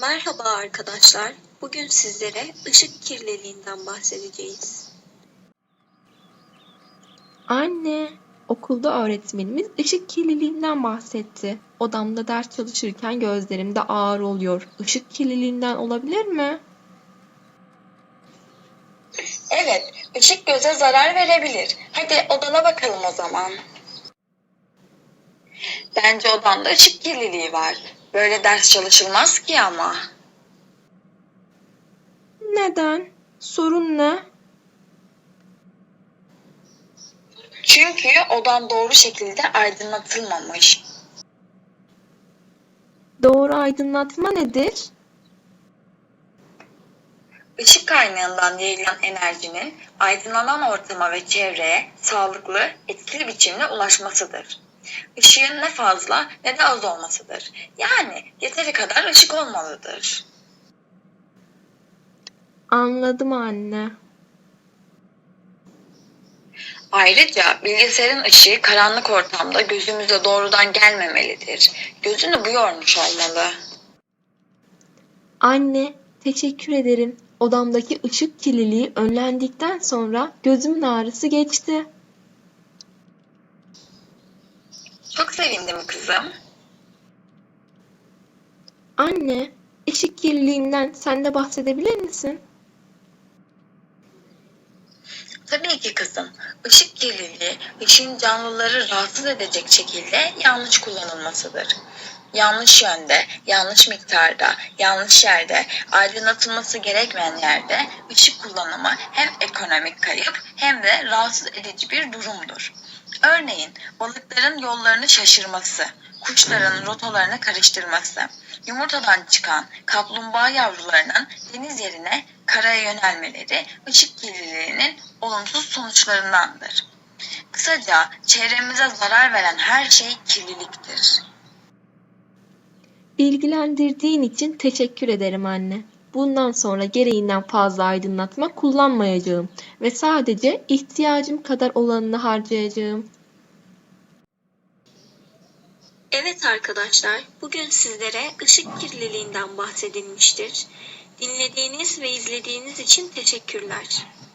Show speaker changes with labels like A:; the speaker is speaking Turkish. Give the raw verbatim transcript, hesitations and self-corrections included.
A: Merhaba arkadaşlar. Bugün sizlere ışık kirliliğinden bahsedeceğiz.
B: Anne, okulda öğretmenimiz ışık kirliliğinden bahsetti. Odamda ders çalışırken gözlerimde ağır oluyor. Işık kirliliğinden olabilir mi?
C: Evet, ışık göze zarar verebilir. Hadi odana bakalım o zaman. Bence odanda ışık kirliliği var. Böyle ders çalışılmaz ki ama.
B: Neden? Sorun ne?
C: Çünkü odan doğru şekilde aydınlatılmamış.
B: Doğru aydınlatma nedir?
C: Işık kaynağından yayılan enerjinin aydınlanan ortama ve çevreye sağlıklı, etkili biçimde ulaşmasıdır. Işığın ne fazla ne de az olmasıdır. Yani yeteri kadar ışık olmalıdır.
B: Anladım anne.
C: Ayrıca bilgisayarın ışığı karanlık ortamda gözümüze doğrudan gelmemelidir. Gözünü bu yormuş olmalı.
B: Anne, teşekkür ederim. Odamdaki ışık kirliliği önlendikten sonra gözümün ağrısı geçti.
C: Çok sevindim kızım.
B: Anne, ışık kirliliğinden sen de bahsedebilir misin?
C: Tabii ki kızım. Işık kirliliği, ışığın canlıları rahatsız edecek şekilde yanlış kullanılmasıdır. Yanlış yönde, yanlış miktarda, yanlış yerde, aydınlatılması gerekmeyen yerde ışık kullanımı hem ekonomik kayıp hem de rahatsız edici bir durumdur. Örneğin balıkların yollarını şaşırması, kuşların rotalarını karıştırması, yumurtadan çıkan kaplumbağa yavrularının deniz yerine karaya yönelmeleri ışık kirliliğinin olumsuz sonuçlarındandır. Kısaca çevremize zarar veren her şey kirliliktir.
B: Bilgilendirdiğin için teşekkür ederim anne. Bundan sonra gereğinden fazla aydınlatma kullanmayacağım ve sadece ihtiyacım kadar olanını harcayacağım.
A: Evet arkadaşlar, bugün sizlere ışık kirliliğinden bahsedilmiştir. Dinlediğiniz ve izlediğiniz için teşekkürler.